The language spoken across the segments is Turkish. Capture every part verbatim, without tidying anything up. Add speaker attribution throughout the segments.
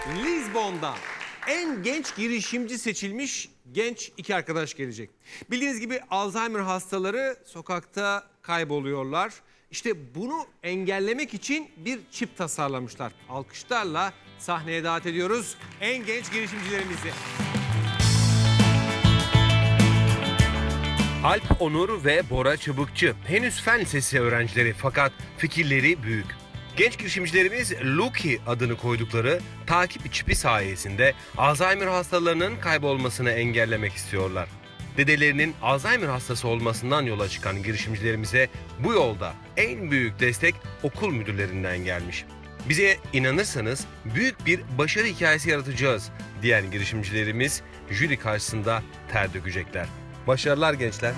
Speaker 1: Lizbon'dan en genç girişimci seçilmiş genç iki arkadaş gelecek. Bildiğiniz gibi Alzheimer hastaları sokakta kayboluyorlar. İşte bunu engellemek için bir çip tasarlamışlar. Alkışlarla sahneye davet ediyoruz en genç girişimcilerimizi. Alp Onur ve Bora Çıbıkçı henüz fen lisesi öğrencileri fakat fikirleri büyük. Genç girişimcilerimiz Lucky adını koydukları takip çipi sayesinde Alzheimer hastalarının kaybolmasını engellemek istiyorlar. Dedelerinin Alzheimer hastası olmasından yola çıkan girişimcilerimize bu yolda en büyük destek okul müdürlerinden gelmiş. Bize inanırsanız büyük bir başarı hikayesi yaratacağız diyen girişimcilerimiz jüri karşısında ter dökecekler. Başarılar gençler.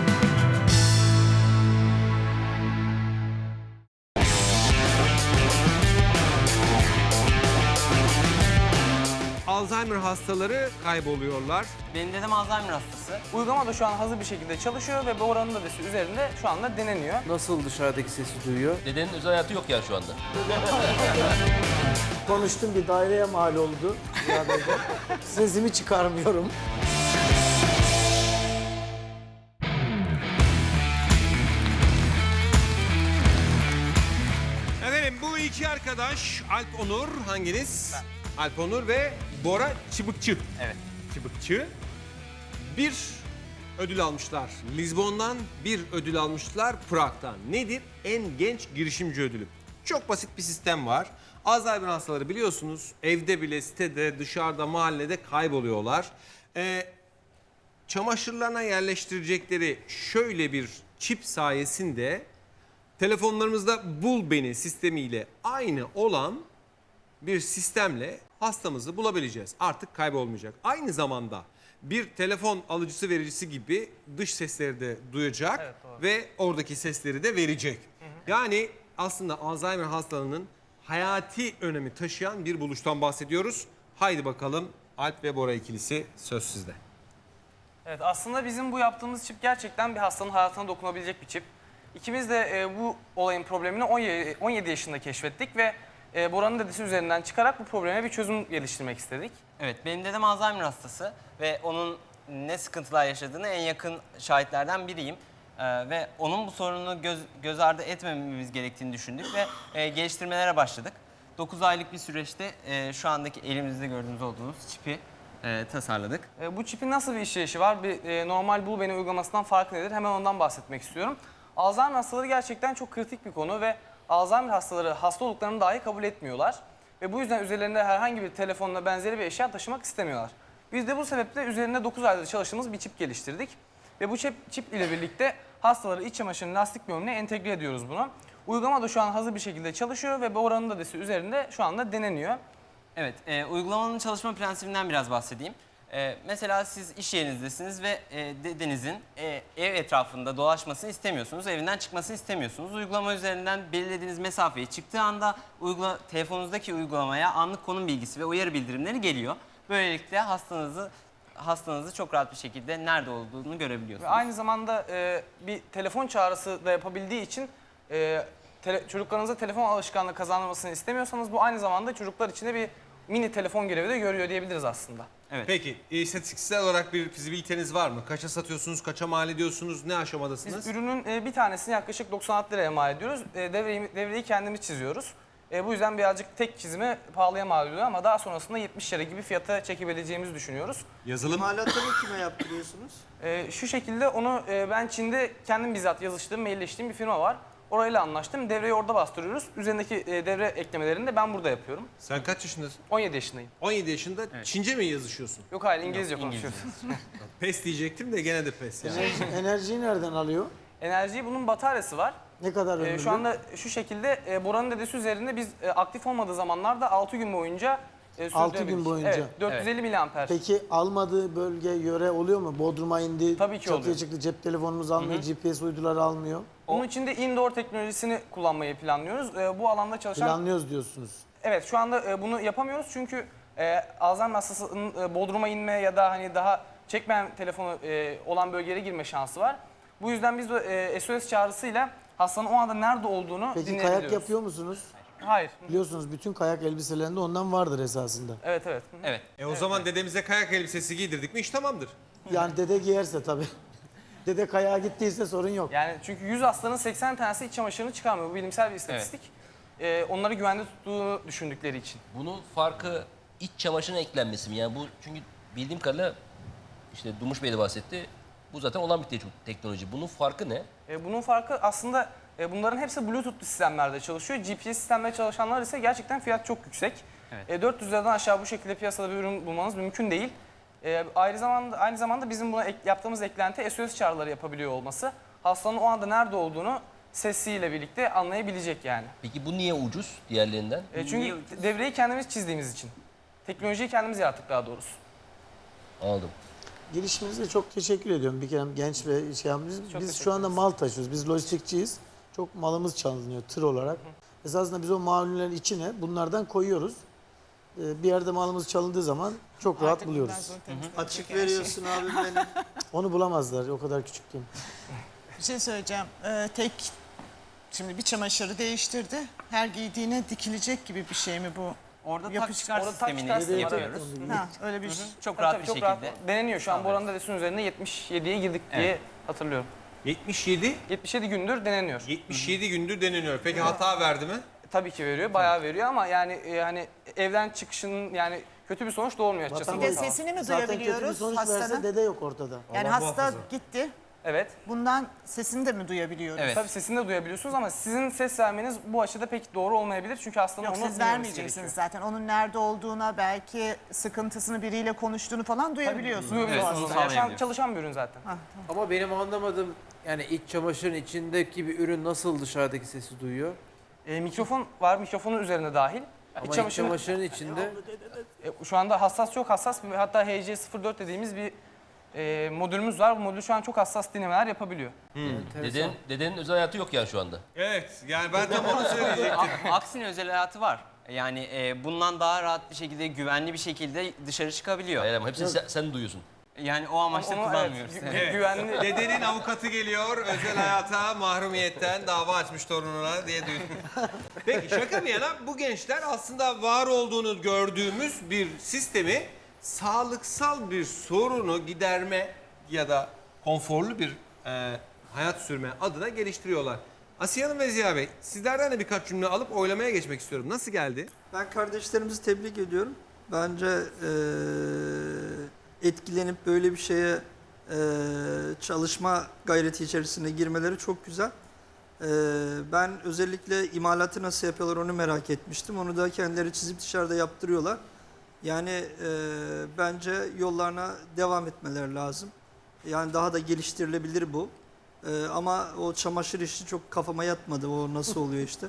Speaker 1: Alzheimer hastaları kayboluyorlar.
Speaker 2: Benim dedem Alzheimer hastası.
Speaker 3: Uygulama da şu an hazır bir şekilde çalışıyor ve bu oranın adresi üzerinde şu anda deneniyor.
Speaker 4: Nasıl dışarıdaki sesi duyuyor?
Speaker 5: Dedenin özel hayatı yok ya şu anda.
Speaker 4: Konuştum, bir daireye mal oldu. Sesimi çıkarmıyorum.
Speaker 1: Efendim bu iki arkadaş Alp Onur hanginiz? Ben. Alp Onur ve Bora Çıbıkçı.
Speaker 3: Evet.
Speaker 1: Çıbıkçı. Bir ödül almışlar. Lizbon'dan bir ödül almışlar Prag'dan. Nedir? En genç girişimci ödülü. Çok basit bir sistem var. Alzheimer hastaları biliyorsunuz evde bile, sitede, dışarıda, mahallede kayboluyorlar. Ee, çamaşırlarına yerleştirecekleri şöyle bir çip sayesinde telefonlarımızda Bul Beni sistemiyle aynı olan bir sistemle hastamızı bulabileceğiz. Artık kaybolmayacak. Aynı zamanda bir telefon alıcısı vericisi gibi dış sesleri de duyacak, evet, ve oradaki sesleri de verecek. Hı hı. Yani aslında Alzheimer hastalığının hayati önemi taşıyan bir buluştan bahsediyoruz. Haydi bakalım Alp ve Bora ikilisi söz sizde.
Speaker 3: Evet, aslında bizim bu yaptığımız çip gerçekten bir hastanın hayatına dokunabilecek bir çip. İkimiz de e, bu olayın problemini on yedi yaşında keşfettik ve e, Bora'nın dedesi üzerinden çıkarak bu probleme bir çözüm geliştirmek istedik.
Speaker 2: Evet, benim dedem Alzheimer hastası ve onun ne sıkıntılar yaşadığını en yakın şahitlerden biriyim. Ee, ve onun bu sorununu göz, göz ardı etmememiz gerektiğini düşündük ve e, geliştirmelere başladık. dokuz aylık bir süreçte e, şu andaki elimizde gördüğünüz olduğunuz çipi e, tasarladık.
Speaker 3: E, bu çipin nasıl bir işleyişi var? Bir e, normal Bul Beni uygulamasından farkı nedir? Hemen ondan bahsetmek istiyorum. Alzheimer hastaları gerçekten çok kritik bir konu ve Alzheimer hastaları hasta olduklarını dahi kabul etmiyorlar. Ve bu yüzden üzerlerinde herhangi bir telefonla benzeri bir eşya taşımak istemiyorlar. Biz de bu sebeple üzerinde dokuz aydır çalıştığımız bir çip geliştirdik. Ve bu çip, çip ile birlikte hastaları iç çamaşırının lastik bölümüne entegre ediyoruz bunu. Uygulama da şu an hazır bir şekilde çalışıyor ve bu oranın adresi üzerinde şu anda deneniyor.
Speaker 2: Evet, e, uygulamanın çalışma prensibinden biraz bahsedeyim. E, mesela siz iş yerinizdesiniz ve e, dedenizin e, ev etrafında dolaşmasını istemiyorsunuz, evinden çıkmasını istemiyorsunuz. Uygulama üzerinden belirlediğiniz mesafeyi çıktığı anda uygula, telefonunuzdaki uygulamaya anlık konum bilgisi ve uyarı bildirimleri geliyor. Böylelikle hastanızı hastanızı çok rahat bir şekilde nerede olduğunu görebiliyorsunuz.
Speaker 3: Ve aynı zamanda e, bir telefon çağrısı da yapabildiği için e, tele, çocuklarınıza telefon alışkanlığı kazanmasını istemiyorsanız bu aynı zamanda çocuklar için de bir mini telefon görevi de görüyor diyebiliriz aslında.
Speaker 1: Evet. Peki istatistiksel olarak bir fizibiliteniz var mı? Kaça satıyorsunuz, kaça mal ediyorsunuz, ne aşamadasınız?
Speaker 3: Biz ürünün e, bir tanesini yaklaşık doksan altı liraya mal ediyoruz. E, devreyi, devreyi kendimiz çiziyoruz. E, bu yüzden birazcık tek çizimi pahalıya mal ediyor ama daha sonrasında yetmiş lira gibi fiyata çekebileceğimizi düşünüyoruz.
Speaker 1: Yazılım
Speaker 4: İmalatını kime yaptırıyorsunuz?
Speaker 3: E, şu şekilde onu e, ben Çin'de kendim bizzat yazıştığım, mailleştiğim bir firma var. Orayla anlaştım. Devreyi orada bastırıyoruz. Üzerindeki e, devre eklemelerini de ben burada yapıyorum.
Speaker 1: Sen kaç yaşındasın?
Speaker 3: on yedi yaşındayım.
Speaker 1: on yedi yaşında evet. Çince mi yazışıyorsun?
Speaker 3: Yok hayır, İngilizce konuşuyoruz.
Speaker 1: Pes diyecektim de gene de pes yani.
Speaker 4: Enerji, enerjiyi nereden alıyor?
Speaker 3: Enerjiyi bunun bataryası var.
Speaker 4: Ne kadar ömürlü?
Speaker 3: E, şu anda şu şekilde e, Bora'nın dedesi üzerinde biz e, aktif olmadığı zamanlarda altı gün boyunca e,
Speaker 4: altı gün boyunca.
Speaker 3: Evet, dört yüz elli miliamper.
Speaker 4: Peki almadığı bölge, yöre oluyor mu? Bodrum'a indi,
Speaker 3: Tabii ki
Speaker 4: çatıya
Speaker 3: oluyor.
Speaker 4: çıktı, cep telefonumuz almıyor, G P S uyduları almıyor.
Speaker 3: Bunun için de indoor teknolojisini kullanmayı planlıyoruz. E, bu alanda çalışan...
Speaker 4: Planlıyoruz diyorsunuz.
Speaker 3: Evet, şu anda e, bunu yapamıyoruz çünkü e, Alzheimer hastasının e, Bodrum'a inme ya da hani daha çekmeyen telefonu e, olan bölgelere girme şansı var. Bu yüzden biz de e, S O S çağrısıyla hastanın o anda nerede olduğunu
Speaker 4: Peki
Speaker 3: dinleyebiliyoruz.
Speaker 4: kayak yapıyor musunuz?
Speaker 3: Hayır.
Speaker 4: Biliyorsunuz bütün kayak elbiselerinde ondan vardır esasında.
Speaker 3: Evet evet. Hı hı.
Speaker 2: Evet.
Speaker 1: E o zaman dedemize kayak elbisesi giydirdik mi iş tamamdır.
Speaker 4: Yani dede giyerse tabii. Dede kayağa gittiyse sorun yok.
Speaker 3: Yani çünkü yüz hastanın seksen tanesi iç çamaşırını çıkarmıyor. Bu bilimsel bir istatistik. Ee, onları güvende tuttuğunu düşündükleri için.
Speaker 5: Bunun farkı iç çamaşırına eklenmesi mi? Yani bu çünkü bildiğim kadarıyla işte Durmuş Bey de bahsetti. Bu zaten olan bir te- teknoloji. Bunun farkı ne?
Speaker 3: E, bunun farkı aslında e, bunların hepsi Bluetooth sistemlerde çalışıyor. G P S sistemlerde çalışanlar ise gerçekten fiyat çok yüksek.
Speaker 2: Evet.
Speaker 3: E, dört yüz liradan aşağı bu şekilde piyasada bir ürün bulmanız mümkün değil. E, aynı zamanda aynı zamanda bizim buna ek- yaptığımız eklenti S O S çağrıları yapabiliyor olması. Hastanın o anda nerede olduğunu sesiyle birlikte anlayabilecek yani.
Speaker 5: Peki bu niye ucuz diğerlerinden?
Speaker 3: E, çünkü
Speaker 2: Niye ucuz?
Speaker 3: devreyi kendimiz çizdiğimiz için. Teknolojiyi kendimiz yarattık daha doğrusu.
Speaker 5: Anladım.
Speaker 4: Girişiminize çok teşekkür ediyorum. Bir kere genç ve şey yapmışız.
Speaker 3: Çok
Speaker 4: Biz
Speaker 3: teşekkür
Speaker 4: şu anda mal taşıyoruz. Biz lojistikçiyiz. Çok malımız çalınıyor tır olarak. Esasında biz o malullerin içine bunlardan koyuyoruz. Ee, Bir yerde malımız çalındığı zaman çok rahat
Speaker 6: Artık bundan
Speaker 4: buluyoruz.
Speaker 6: sonra temizlenecek
Speaker 7: Açık
Speaker 6: her şey.
Speaker 7: veriyorsun abi benim.
Speaker 4: Onu bulamazlar. O kadar küçüktüm.
Speaker 6: Bir şey söyleyeceğim. Ee, tek şimdi bir çamaşırı değiştirdi. Her giydiğine dikilecek gibi bir şey mi bu?
Speaker 2: Orada tak
Speaker 6: Yapışık-
Speaker 2: çıkar
Speaker 3: orada tak
Speaker 2: sistemini
Speaker 3: çıkar sistemi var,
Speaker 2: yapıyoruz.
Speaker 6: Ha, öyle bir
Speaker 2: Çok
Speaker 3: Tabii
Speaker 2: rahat
Speaker 3: tabii,
Speaker 2: bir
Speaker 3: çok
Speaker 2: şekilde.
Speaker 3: rahat deneniyor. Şu an Boran'da Desin üzerinde yetmiş yediye girdik diye
Speaker 2: Evet.
Speaker 3: hatırlıyorum.
Speaker 1: yetmiş yedi,
Speaker 3: yetmiş yedi gündür deneniyor.
Speaker 1: yetmiş yedi gündür deneniyor. Peki hata verdi mi?
Speaker 3: Tabii ki veriyor, bayağı veriyor ama yani e, hani evden çıkışının yani kötü bir sonuç doğurmuyor açıkçası.
Speaker 6: Bir de
Speaker 4: Vatandaş-
Speaker 3: Tamam.
Speaker 6: sesini mi
Speaker 4: Zaten kötü bir
Speaker 6: duyabiliyoruz
Speaker 4: sonuç verse
Speaker 6: hastanın?
Speaker 4: dede yok ortada.
Speaker 6: Yani
Speaker 1: Allah
Speaker 6: hasta
Speaker 1: muhafaza.
Speaker 6: gitti.
Speaker 3: Evet.
Speaker 6: Bundan sesini de mi duyabiliyoruz?
Speaker 2: Evet.
Speaker 3: Tabii sesini de duyabiliyorsunuz ama sizin ses vermeniz bu açıda pek doğru olmayabilir. Çünkü hastanın
Speaker 6: Yok
Speaker 3: onu
Speaker 6: siz
Speaker 3: bilmemesi
Speaker 6: vermeyeceksiniz
Speaker 3: gerekiyor.
Speaker 6: zaten. Onun nerede olduğuna, belki sıkıntısını biriyle konuştuğunu falan duyabiliyorsunuz.
Speaker 3: Duyabiliyorsunuz.
Speaker 2: Evet, onu
Speaker 3: aslında. Yani şu an
Speaker 2: sağlayabiliyoruz.
Speaker 3: çalışan bir ürün zaten.
Speaker 8: Ama benim anlamadığım yani iç çamaşırın içindeki bir ürün nasıl dışarıdaki sesi duyuyor?
Speaker 3: E, mikrofon var, mikrofonun üzerine dahil.
Speaker 8: Ama
Speaker 3: İç
Speaker 8: iç
Speaker 3: çamaşırı-
Speaker 8: çamaşırın içinde
Speaker 3: E, şu anda hassas, çok hassas, hatta H C sıfır dört dediğimiz bir e, modülümüz var. Bu modül şu an çok hassas dinlemeler yapabiliyor.
Speaker 5: Deden, dedenin özel hayatı yok yani şu anda.
Speaker 1: Evet, yani ben tam onu söyleyecektim.
Speaker 2: A- Aksine özel hayatı var. Yani e, bundan daha rahat bir şekilde, güvenli bir şekilde dışarı çıkabiliyor.
Speaker 5: Hayır ama hepsini sen, sen duyuyorsun.
Speaker 2: Yani o amaçla
Speaker 3: Onu,
Speaker 2: kullanmıyoruz.
Speaker 3: evet, gü-
Speaker 2: Evet.
Speaker 3: güvenli.
Speaker 1: Dedenin avukatı geliyor, özel hayata mahrumiyetten dava açmış torununa diye duydum. Peki şaka bir yana bu gençler aslında var olduğunu gördüğümüz bir sistemi sağlıksal bir sorunu giderme ya da konforlu bir e, hayat sürme adına geliştiriyorlar. Asiye Hanım ve Ziya Bey, sizlerden de birkaç cümle alıp oylamaya geçmek istiyorum. Nasıl geldi?
Speaker 7: Ben kardeşlerimizi tebrik ediyorum. Bence eee, etkilenip böyle bir şeye eee, çalışma gayreti içerisine girmeleri çok güzel. Eee, ben özellikle imalatı nasıl yapıyorlar onu merak etmiştim. Onu da kendileri çizip dışarıda yaptırıyorlar. Yani eee, bence yollarına devam etmeleri lazım. Yani daha da geliştirilebilir bu. Eee, ama o çamaşır işi çok kafama yatmadı. O nasıl oluyor işte.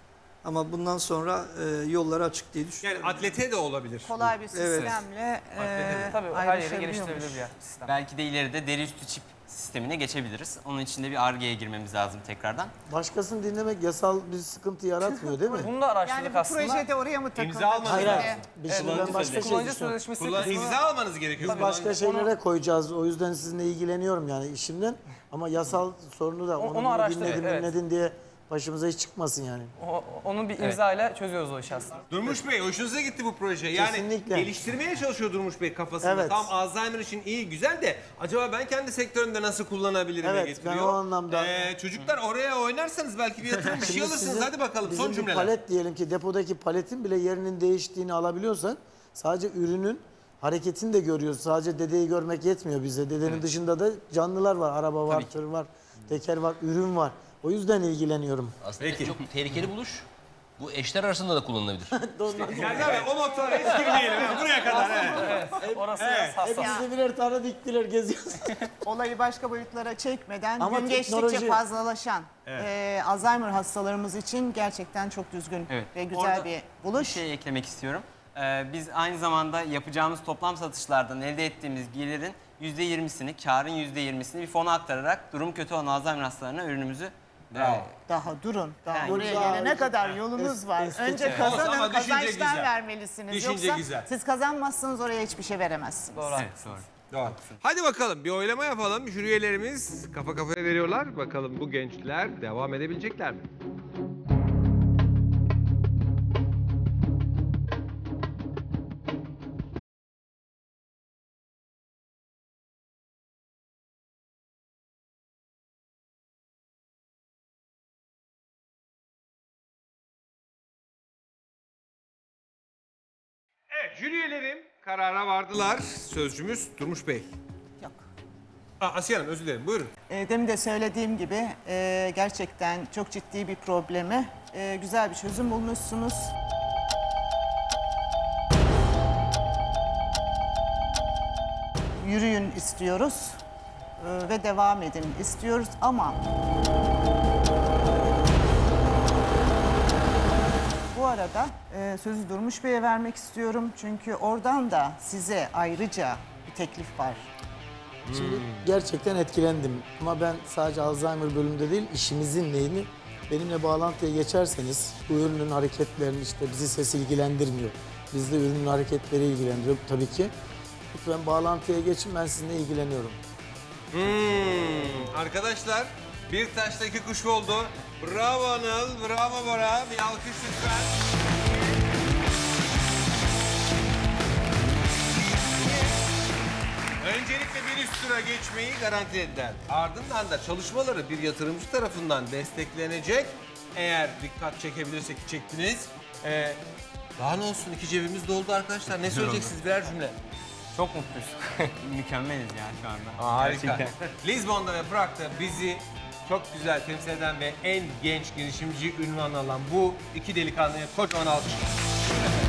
Speaker 7: Ama bundan sonra eee, yolları açık diye
Speaker 1: Yani
Speaker 7: düşünüyorum.
Speaker 1: atlete de olabilir.
Speaker 6: Kolay bir
Speaker 7: Evet.
Speaker 6: sistemle e,
Speaker 3: Tabii her yere
Speaker 6: ayrışabiliyormuş.
Speaker 3: geliştirebilir bir yer- sistem.
Speaker 2: Belki de ileride deri üstü çip sistemine geçebiliriz. Onun için de bir Ar-Ge'ye girmemiz lazım tekrardan.
Speaker 4: Başkasını dinlemek yasal bir sıkıntı yaratmıyor değil mi?
Speaker 3: Bunu da araştırdık
Speaker 6: Yani bu
Speaker 3: aslında.
Speaker 6: projede oraya mı takıldı?
Speaker 1: İmza almadınız.
Speaker 4: Hayır
Speaker 6: Böyle-
Speaker 4: hayır. Bir
Speaker 3: Evet,
Speaker 4: şimdi ben başka şey
Speaker 3: kullanıcı
Speaker 4: düşünüyorum.
Speaker 3: sözleşmesi
Speaker 1: Kullan,
Speaker 3: kısmı-
Speaker 1: imza almanız gerekiyor.
Speaker 4: Biz başka şeylere koyacağız. O yüzden sizinle ilgileniyorum yani işimden. Ama yasal sorunu da
Speaker 3: O-
Speaker 4: onu,
Speaker 3: onu
Speaker 4: bunu
Speaker 3: araştırın,
Speaker 4: dinledin
Speaker 3: evet.
Speaker 4: dinledin diye başımıza hiç çıkmasın yani.
Speaker 3: O- onun bir imzayla çözüyoruz o işi aslında.
Speaker 1: Durmuş Bey, hoşunuza gitti bu proje. Yani
Speaker 4: Kesinlikle.
Speaker 1: geliştirmeye çalışıyor Durmuş Bey kafasında.
Speaker 4: Evet.
Speaker 1: Tam Alzheimer için iyi, güzel de acaba ben kendi sektörümde nasıl kullanabilirim
Speaker 4: Evet,
Speaker 1: getiriyor.
Speaker 4: ben o anlamda-
Speaker 1: Ee, çocuklar oraya oynarsanız belki bir yatırım bir şey
Speaker 4: Şimdi
Speaker 1: alırsınız.
Speaker 4: sizin-
Speaker 1: Hadi bakalım
Speaker 4: bizim
Speaker 1: son
Speaker 4: bir
Speaker 1: cümleler.
Speaker 4: palet diyelim ki depodaki paletin bile yerinin değiştiğini alabiliyorsak sadece ürünün hareketini de görüyoruz. Sadece dedeyi görmek yetmiyor bize. Dedenin dışında da canlılar var. Araba var,
Speaker 2: Tabii ki.
Speaker 4: tır var, teker var, ürün var. O yüzden ilgileniyorum.
Speaker 5: Aslında
Speaker 1: Peki.
Speaker 5: çok tehlikeli buluş. Bu eşler arasında da kullanılabilir.
Speaker 1: Serdar Bey o noktalara hiç girmeyelim. Evet, buraya kadar. Evet.
Speaker 3: Orası biraz hassas.
Speaker 4: Hepimize birer tane diktiler geziyoruz.
Speaker 6: Olayı başka boyutlara çekmeden
Speaker 4: Ama
Speaker 6: gün geçtikçe
Speaker 4: teknoloji-
Speaker 6: fazlalaşan e, Alzheimer hastalarımız için gerçekten çok düzgün
Speaker 2: Evet.
Speaker 6: ve güzel
Speaker 2: Orada
Speaker 6: bir
Speaker 2: Bir
Speaker 6: buluş.
Speaker 2: şey eklemek istiyorum. Ee, biz aynı zamanda yapacağımız toplam satışlardan elde ettiğimiz gelirin yüzde yirmisini, karın yüzde yirmisini bir fona aktararak durum kötü olan Alzheimer hastalarına ürünümüzü
Speaker 1: Bravo.
Speaker 6: Daha durun. Daha
Speaker 2: Yani-
Speaker 6: oraya
Speaker 4: Daha-
Speaker 6: gelene kadar yolunuz
Speaker 4: Es-
Speaker 6: var.
Speaker 4: estetik.
Speaker 6: Önce
Speaker 4: Evet.
Speaker 6: kazanın,
Speaker 1: Ama düşünce
Speaker 6: kazançtan
Speaker 1: güzel.
Speaker 6: vermelisiniz.
Speaker 1: Düşünce
Speaker 6: Yoksa
Speaker 1: güzel.
Speaker 6: siz kazanmazsınız, oraya hiçbir şey veremezsiniz.
Speaker 3: Doğru.
Speaker 2: Evet, doğru.
Speaker 1: Doğru. Hadi bakalım bir oylama yapalım. Jüri üyelerimiz kafa kafaya veriyorlar. Bakalım bu gençler devam edebilecekler mi? jüri üyelerim karara vardılar. Sözcümüz Durmuş Bey.
Speaker 6: Yok.
Speaker 1: Aa, Asiye Hanım, özür dilerim. Buyurun.
Speaker 6: E, demin de söylediğim gibi e, gerçekten çok ciddi bir problemi e, güzel bir çözüm bulmuşsunuz. Yürüyün istiyoruz e, ve devam edin istiyoruz ama bu arada e, sözü Durmuş Bey'e vermek istiyorum çünkü oradan da size ayrıca bir teklif var.
Speaker 4: Şimdi gerçekten etkilendim ama ben sadece Alzheimer bölümünde değil, işimizin neyini benimle bağlantıya geçerseniz bu ürünün hareketlerini işte bizi ses ilgilendirmiyor. Bizde ürünün hareketleri ilgilendiriyor tabii ki. Lütfen bağlantıya geçin, ben sizinle ilgileniyorum.
Speaker 1: Hmm, arkadaşlar bir taşla iki kuş oldu. Bravo Anıl, bravo Bora. Bir alkış lütfen. Öncelikle bir üst tura geçmeyi garantilediler. Ardından da çalışmaları bir yatırımcı tarafından desteklenecek. Eğer dikkat çekebilirsek ki çektiniz. Ee, daha ne olsun, iki cebimiz doldu arkadaşlar. Ne söyleyeceksiniz, birer cümle?
Speaker 2: Çok mutluyuz. Mükemmeliz yani şu anda.
Speaker 1: Harika.
Speaker 2: Gerçekten.
Speaker 1: Lizbon'da ve Prag'da bizi çok güzel temsil eden ve en genç girişimci ünvanı alan bu iki delikanlıya kocaman alkış.